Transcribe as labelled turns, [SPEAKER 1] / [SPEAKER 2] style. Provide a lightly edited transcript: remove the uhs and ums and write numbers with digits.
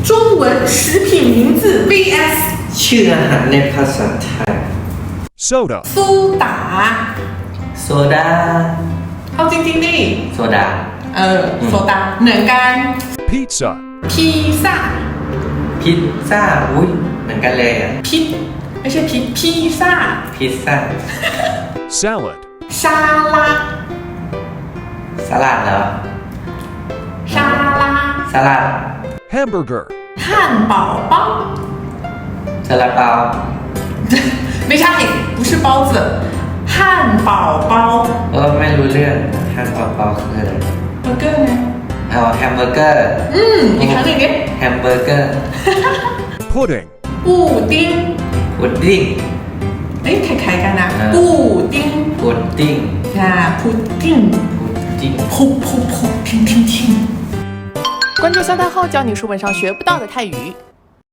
[SPEAKER 1] 中文食品名字 vs
[SPEAKER 2] ชื่ออาหารในภาษาไทย
[SPEAKER 3] soda,
[SPEAKER 1] 苏打
[SPEAKER 2] โซดา
[SPEAKER 1] เอาจริงๆดิ
[SPEAKER 2] โซดา
[SPEAKER 1] โซดาเหมือนกัน
[SPEAKER 3] pizza,
[SPEAKER 1] 披萨
[SPEAKER 2] พิซซ่าอุ้ยเหมือนกันเลยอ่ะ
[SPEAKER 1] พิไม่ใช่披萨
[SPEAKER 2] พิซซ่า
[SPEAKER 3] salad,
[SPEAKER 1] 沙拉
[SPEAKER 2] สลัดเหรอ
[SPEAKER 1] 沙拉
[SPEAKER 2] สลัด
[SPEAKER 3] hamburger,
[SPEAKER 1] 汉堡包
[SPEAKER 2] ซาลาเปา
[SPEAKER 1] ไม่ใช่不是包子汉堡包
[SPEAKER 2] ไม่รู้เรื่องแฮมเบอร์เกอร์คืออะไร
[SPEAKER 1] เบอร์เกอร์ไง
[SPEAKER 2] เอาแฮมเบอร์เกอร์
[SPEAKER 1] อีกครั้งหนึ่งดิ
[SPEAKER 2] แฮมเบอร์เกอร์
[SPEAKER 3] pudding,
[SPEAKER 1] 布丁
[SPEAKER 2] พุดดิ้ง
[SPEAKER 1] เอ้ยคล้ายๆกันนะ 布丁
[SPEAKER 2] พุดดิ้ง
[SPEAKER 1] พุด丁
[SPEAKER 2] พุดดิ้ง
[SPEAKER 1] 噗噗噗听听听
[SPEAKER 4] 关注香泰后，教你书本上学不到的泰语。